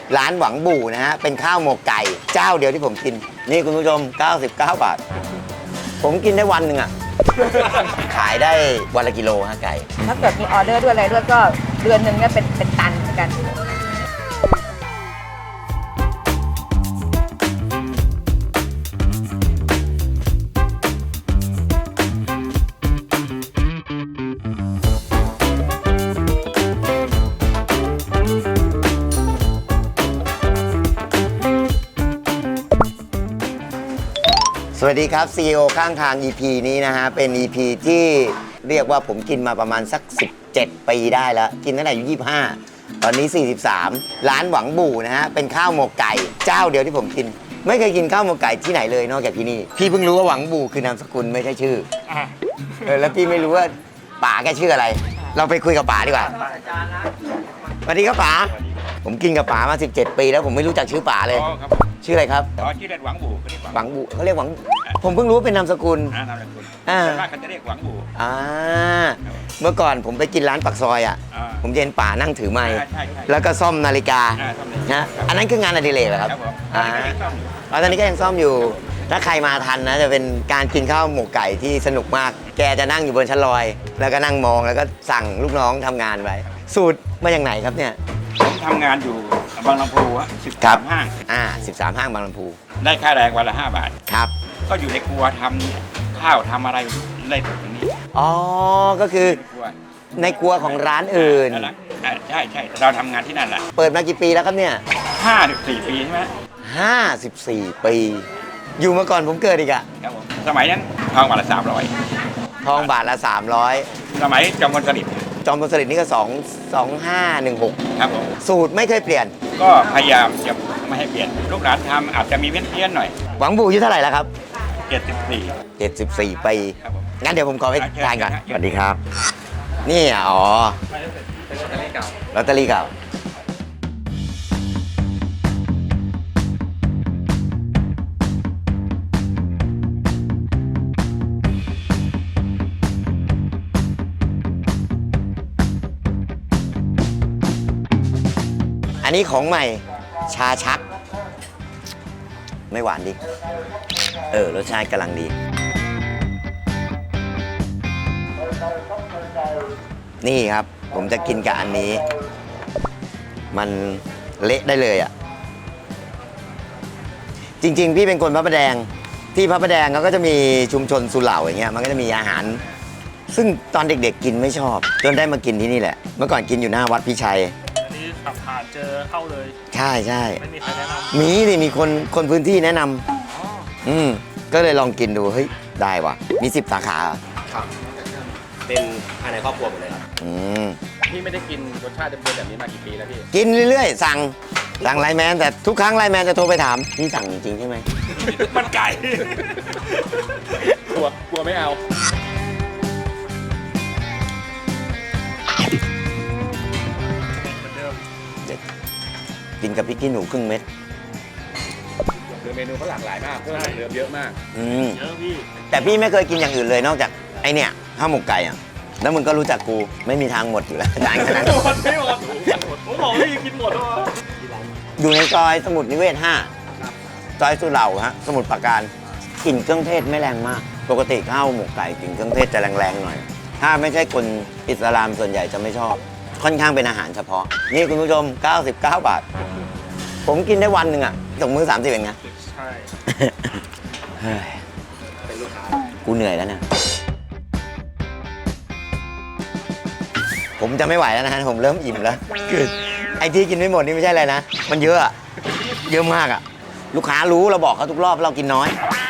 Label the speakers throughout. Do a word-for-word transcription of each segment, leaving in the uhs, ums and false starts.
Speaker 1: ร้านหวังบู่นะฮะเป็นข้าวหมกไก่เจ้าเดียวที่ผมกินนี่คุณผู้ชมเก้าสิบเก้าบาทผมกินได้วันหนึ่งอ่ะ ขายได้วันละกิโลฮะไก่
Speaker 2: ถ้าเกิดมีออเดอร์ด้วยอะไรด้วยก็เดือนหนึ่งเนี่ยเป็นเป็นตันเหมือนกัน
Speaker 1: สวัสดีครับ ซี อี โอ ข้างทาง อี พี นี้นะฮะเป็น อี พี ที่เรียกว่าผมกินมาประมาณสักสิบเจ็ดปีได้แล้วกินตั้งแต่อายุยี่สิบห้าตอนนี้สี่สิบสามร้านหวังบู่นะฮะเป็นข้าวหมกไก่เจ้าเดียวที่ผมกินไม่เคยกินข้าวหมกไก่ที่ไหนเลยนอกจากที่นี่พี่เพิ่งรู้ว่าหวังบู่คือนามสกุลไม่ใช่ชื่อเออแล้วพี่ไม่รู้ว่าป๋าแกชื่ออะไรเราไปคุยกับป๋าดีกว่าสวัสดีครับป๋าผมกินกับป๋ามาสิบเจ็ดปีแล้วผมไม่รู้จักชื่อป๋าเลยชื่ออะไรครับ
Speaker 3: อ๋อชื่อเล่นหวังบู่เขาเรียก
Speaker 1: หวังบู่เขาเรียกหวังผมเพิ่งรู้ว่าเป็นนามสกุล
Speaker 3: อ่านามสกุล
Speaker 1: อ่า
Speaker 3: ส่วนมากเขาจะเรียกหวังบู่
Speaker 1: อ่าเมื่อก่อนผมไปกินร้านปักซอยอ่ะ
Speaker 3: อ่า
Speaker 1: ผมจะเห็นป๋านั่งถือไมค์
Speaker 3: ใช่ใช่ใช่
Speaker 1: แล้วก็ซ่อมนาฬิกา
Speaker 3: อ่าซ่อมนาฬิกา
Speaker 1: นะอันนั้นคืองานอดิเรกเหรอครับ
Speaker 3: ครับผม
Speaker 1: อ่า
Speaker 3: ตอนนี้ก็ยังซ่อมอยู่
Speaker 1: อ๋อตอนนี้ก็ยังซ่อมอยู่ถ้าใครมาทันนะจะเป็นการกินข้าวหมกไก่ที่สนุกมาก แกจะนั่งอยู่บนชั้นลอย แล้วก็นั่งมองแล้วก็สั่งลูกน้องทำงานไว้สูตรมาจากไหนครับเนี่ย
Speaker 3: ผมทำงานอยู่บางลำพูอะสิบ
Speaker 1: ครั
Speaker 3: สา
Speaker 1: บ
Speaker 3: มห้าง
Speaker 1: อ่าสิบสามห้างบางลำพู
Speaker 3: ได้ค่าแรงวันละห้าบาท
Speaker 1: ครับ
Speaker 3: ก็อยู่ในครัวทำข้าวทำอะไรได้ตรงนี้
Speaker 1: อ๋อก็คือ
Speaker 3: ในครัว
Speaker 1: ในครัวของร้านอื่น
Speaker 3: นั่นแหละอ่าใช่ใช่เราทำงานที่นั่นแหละ
Speaker 1: เปิดมากี่ปีแล้วครับเนี่ย
Speaker 3: ห้าถึงสี่ปีใช่ไหม
Speaker 1: ห้าสิบสี่ปี อยู่มาก่อนผมเกิดอีกอะ
Speaker 3: ครับผมสมัยนั้นทองวันละสามร้อย
Speaker 1: ทองบาทละสามร้อย
Speaker 3: สมัยจอมพลสฤษดิ์
Speaker 1: จอมพลสฤษดิ์นี่ก็สอง สองห้าหนึ่งหก
Speaker 3: ครับผม
Speaker 1: สูตรไม่เคยเปลี่ยน
Speaker 3: ก็พยายามจะไม่ให้เปลี่ยนลูกหลานทำอาจจะมีเพี้ยนเพี้ยนๆหน่อย
Speaker 1: หวังบูอายุเท่าไหร่แล้วครับ
Speaker 3: เจ็ดสิบสี่
Speaker 1: เจ็ดสิบสี่ปี
Speaker 3: ครับผม
Speaker 1: งั้นเดี๋ยวผมขอไป
Speaker 3: อ่ะเชิญ
Speaker 1: ทานก่อน
Speaker 3: เชิญ
Speaker 1: สวัสดีครับ นี่อ่ะอ๋อลอตเตอรี่เก่าอันนี้ของใหม่ชาชัก ไม่หวานดิ เออ รสชาติกำลังดี นี่ครับ ผมจะกินกับอันนี้ มันเละได้เลยอ่ะ จริงๆ พี่เป็นคนพระประแดง ที่พระประแดงเขาก็จะมีชุมชนสุเหร่าอย่างเงี้ย มันก็จะมีอาหาร ซึ่งตอนเด็กๆกินไม่ชอบ จนได้มากินที่นี่แหละ เมื่อก่อนกินอยู่หน้าวัดพิชัย
Speaker 4: อันนี้ขับผ่านเจอเข้าเลย
Speaker 1: ใช่ใช่
Speaker 4: ไม่มีใครแนะนำ
Speaker 1: มีดิมีคนคนพื้นที่แนะนำ
Speaker 4: อ๋อ
Speaker 1: อืมก็เลยลองกินดู เฮ้ย ได้ว่ะ มีสิบสาขาเหรอ
Speaker 5: ครับเป็นภายในครอบครัวหมดเลยครับ
Speaker 1: อืม
Speaker 5: พี่ไม่ได้กินรสชาติเดิมๆแบบนี้มากี่ปีแล้วพี่
Speaker 1: กินเรื่อยๆ สั่ง สั่งไลน์แมน แต่ทุกครั้งไลน์แมนจะโทรไปถาม พี่สั่งจริงๆใช่ไหม
Speaker 3: มันไก่
Speaker 5: กลัว กลัวไม่เอา
Speaker 4: เหมือนเดิม
Speaker 1: กินกับพริกขี้หนูครึ่งเม็ด
Speaker 5: คือเมนูเขาหลากหลายมากเพิ่มจากเดิมเยอะมาก
Speaker 1: อืม
Speaker 4: เยอะพี่
Speaker 1: แต่พี่ไม่เคยกินอย่างอื่นเลยนอกจากไอเนี่ยข้าวหมกไก่อ่ะ แล้วมึงก็รู้จักกูไม่มีทางหมดอยู่แล้ว จานขนาด
Speaker 4: ห
Speaker 1: นั้น
Speaker 4: มดไม่หมดผมบอกว่ากินหมดแล้ว
Speaker 1: อยู่ในซอยสมุทรนิเวศห้าซอยสุเหร่าฮะ สมุทรปราการกลิ่นเครื่องเทศไม่แรงมาก ปกติข้าวหมกไก่กลิ่นเครื่องเทศจะแรงๆหน่อย ถ้าไม่ใช่คนอิสลามส่วนใหญ่จะไม่ชอบ ค่อนข้างเป็นอาหารเฉพาะ นี่คุณผู้ชม เก้าสิบเก้า บาท ผมกินได้วันหนึ่งอ่ะตกมือสามสิบเองนะ
Speaker 4: ใช่
Speaker 1: เฮ้ยกูเหนื่อยแล้วนะผมจะไม่ไหวแล้วนะฮะผมเริ่มอิ่มแล้วคือไอ้ที่กินไม่หมดนี่ไม่ใช่อะไรนะ มันเยอะอะเยอะมากอะลูกค้ารู้เราบอกเขาทุกรอบเรากินน้อย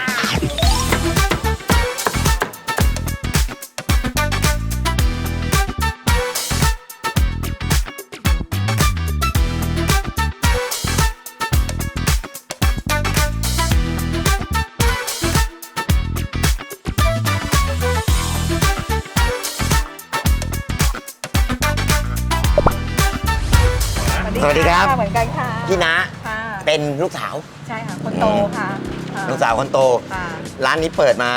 Speaker 1: สวัสดีครับ
Speaker 2: เหมือนกันค่ะ
Speaker 1: พี่นะ
Speaker 2: ค่ะ
Speaker 1: เป็นลูกสาว
Speaker 2: ใช่ค่ะ คนโตค่ะค่ะ
Speaker 1: ลูกสาวคนโต
Speaker 2: ค่ะ
Speaker 1: ร้านนี้เปิดมา
Speaker 2: โอ้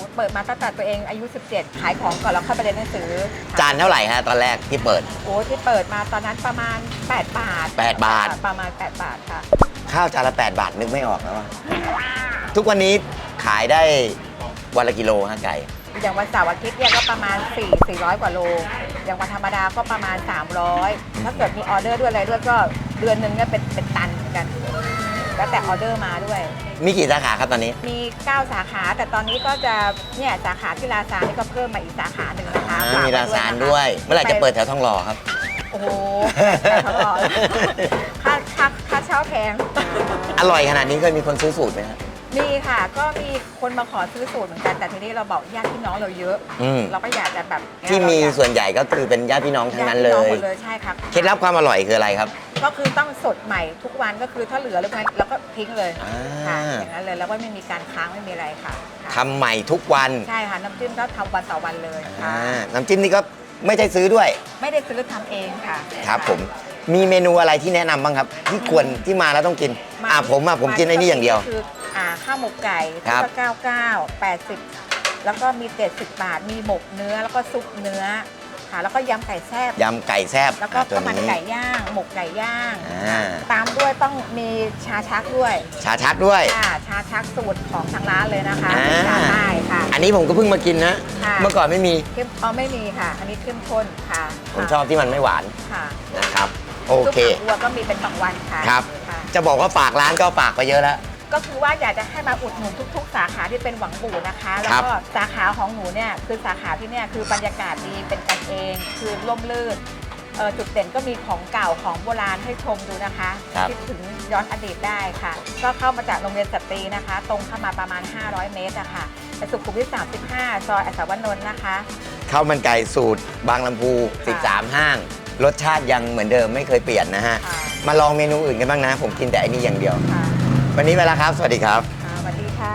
Speaker 2: เปิดมาตั้งแต่ตัวเองอายุ สิบเจ็ด ขายของก่อนแล้วค่อยไปเรียนหนังสือ
Speaker 1: จานเท่าไหร่ฮะตอนแรกที่เปิด
Speaker 2: โอ้ที่เปิดมาตอนนั้นประมาณ แปด บาท
Speaker 1: แปดบาท
Speaker 2: ประมาณ แปด บาทค่ะ
Speaker 1: ข้าวจานละแปดบาทนึกไม่ออกแล้วว่าทุกวันนี้ขายได้วันละกิโลฮะไก่
Speaker 2: อย่างวันเสาร์อาทิตย์เนี่ยก็ประมาณ4 400 กว่าโล อย่างวันธรรมดาก็ประมาณ สามร้อย ถ้าเกิดมีออเดอร์ด้วยอะไรด้วยก็เดือนหนึ่งเนี่ยเป็นเป็นตันเหมือนกัน แล้วแต่ออเดอร์มาด้วย
Speaker 1: มีกี่สาขาครับตอนนี้
Speaker 2: มี เก้า สาขา แต่ตอนนี้ก็จะเนี่ยสาขาที่ลาซานนี่ก็เพิ่มมาอีกสาขาหนึ่งนะคะ
Speaker 1: อ่า
Speaker 2: ฝก
Speaker 1: มี
Speaker 2: ไ
Speaker 1: ร้านซานด้วย เมื่อไหร่จะเปิดแถวทองหล่อครับ
Speaker 2: โอ้โหแต่ตลอดค่าค่าค่าเช่าแพง
Speaker 1: อร่อยขนาดนี้เคยมีคนซื้อสูตรไหมครับ
Speaker 2: มีค่ะ ก็มีคนมาขอซื้อสูตรเหมือนกัน แต่ทีนี้เราบอกญาติพี่น้องเราเยอะ
Speaker 1: อืม
Speaker 2: เราก็อยากจะแบบ
Speaker 1: ที่มี
Speaker 2: เราอยาก
Speaker 1: ส่วนใหญ่ก็คือเป็นญาติพี่น้องทั้งนั้นเล
Speaker 2: ญาติพี่
Speaker 1: ย
Speaker 2: องหมดเลยใช่ครับ
Speaker 1: เคล็ดลับความอร่อยคืออะไรครับ
Speaker 2: ก็คือต้องสดใหม่ทุกวันก็คือถ้าเหลือแล้วไงเราก็ทิ้งเลย
Speaker 1: อ่า
Speaker 2: ค่ะอย่างนั้นเลยแล้วก็ไม่มีการค้างไม่มีอะไรค่ะค่ะ
Speaker 1: ทำใหม่ทุกวัน
Speaker 2: ใช่ค่ะน้ำจิ้มก็ทำวันต่อวันเลยค่ะ
Speaker 1: อ่าน้ำจิ้มนี่ก็ไม่ใช่ซื้อด้วย
Speaker 2: ไม่ได้ซื้อทำเองค่ะ
Speaker 1: ครับผมมีเมนูอะไรที่แนะนำบ้างครับ ที่ควรที่มาแล้วต้องกิน
Speaker 2: มา
Speaker 1: อ่าผมอ่ะผมกินไอ้นี่อย่างเดียว
Speaker 2: คืออ่าข้าวหมกไก่
Speaker 1: ครับ
Speaker 2: ก็เก้าเก้า แปดสิบแล้วก็มีเจ็ดสิบบาท มีหมกเนื้อแล้วก็ซุปเนื้อค่ะแล้วก็ยำไก่แซ่บ
Speaker 1: ยำไก่แซ่บ
Speaker 2: แล้วก็
Speaker 1: อ่าตั
Speaker 2: ข้าว วมัน
Speaker 1: นี้
Speaker 2: ไก่ย่าง หมกไก่ย่าง
Speaker 1: อ่า
Speaker 2: ตามด้วยต้องมีชาชักด้วย
Speaker 1: ชาชักด้วย
Speaker 2: ค่ะชาชักสูตรของทางร้านเลยนะคะ
Speaker 1: อ่า
Speaker 2: เป็นชาใต้ค่ะ
Speaker 1: อันนี้ผมก็เพิ่งมากินนะ
Speaker 2: ค่ะ
Speaker 1: เมื่อก่อนไม่มี
Speaker 2: เข้มอ๋อไม่มีค่ะ อันนี้เข้มข้นค่ะ
Speaker 1: ผมชอบที่มันไม่หวาน
Speaker 2: ค่ะ
Speaker 1: นะครับ โอเค
Speaker 2: ซุปผักบัวก็มีเป็นบางวันค่ะ
Speaker 1: ครับ
Speaker 2: ค่ะ
Speaker 1: จะบอกว่าฝากร้านก็ฝากไปเยอะแล้ว
Speaker 2: ก็คือว่าอยากจะให้มาอุดหนุนทุก ๆ สาขาที่เป็นหวังบู่นะคะ แล้วก็สาขาของหนูเนี่ยคือสาขาที่เนี่ยคือบรรยากาศดีเป็นกันเอง คือร่มรื่นเอ่อจุดเด่นก็มีของเก่าของโบราณให้ชมดูนะคะ
Speaker 1: ครับ
Speaker 2: คิดถึงย้อนอดีตได้ค่ะ ก็เข้ามาจากโรงเรียนสตรีนะคะ ตรงเข้ามาประมาณ ห้าร้อย เมตรนะคะไปสุขุมวิทสามสิบห้าซอยอัศวนนท์นะคะ
Speaker 1: ข้าวมันไก่สูตรบางลำพู สิบสาม ห้าง รสชาติยังเหมือนเดิมไม่เคยเปลี่ยนนะฮะ
Speaker 2: ค่ะ
Speaker 1: มาลองเมนูอื่นกันบ้างนะ ผมกินแต่อันนี้อย่างเดียว
Speaker 2: ค่ะ
Speaker 1: วันนี้ไปแล้วครับ สวัสดีครับ
Speaker 2: ค่ะสวัสดีค่ะ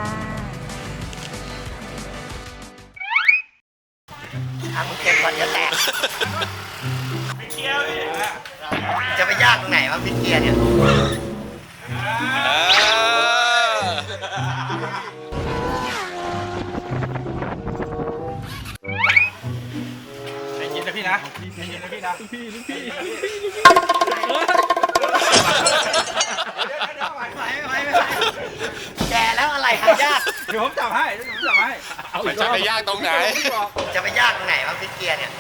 Speaker 1: ทำเก็บก่อนจะแตกจะไปยากตรงไหนวะพิเกียร์เนี่ย
Speaker 3: ใจเย็นนะพี่นะใจเย็นนะพี่นะพี่พี่พี่
Speaker 1: แกแล้วอะไรหายาก
Speaker 3: เดี๋ยวผมจับให้เดี๋ยวผมจับให้เอา
Speaker 5: มันจะไปยากตรงไหน
Speaker 1: จะไปยากตรงไหนวะพิเกียร์เนี่ย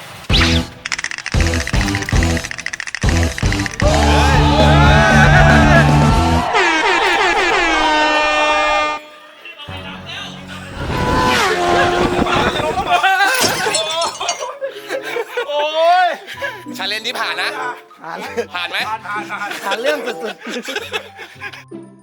Speaker 3: โอ้ย
Speaker 5: ชาเลนจ์นี้ผ่านนะ ผ่านไหม
Speaker 3: ผ่านผ่านผ่าน
Speaker 1: หาเรื่องสุดๆ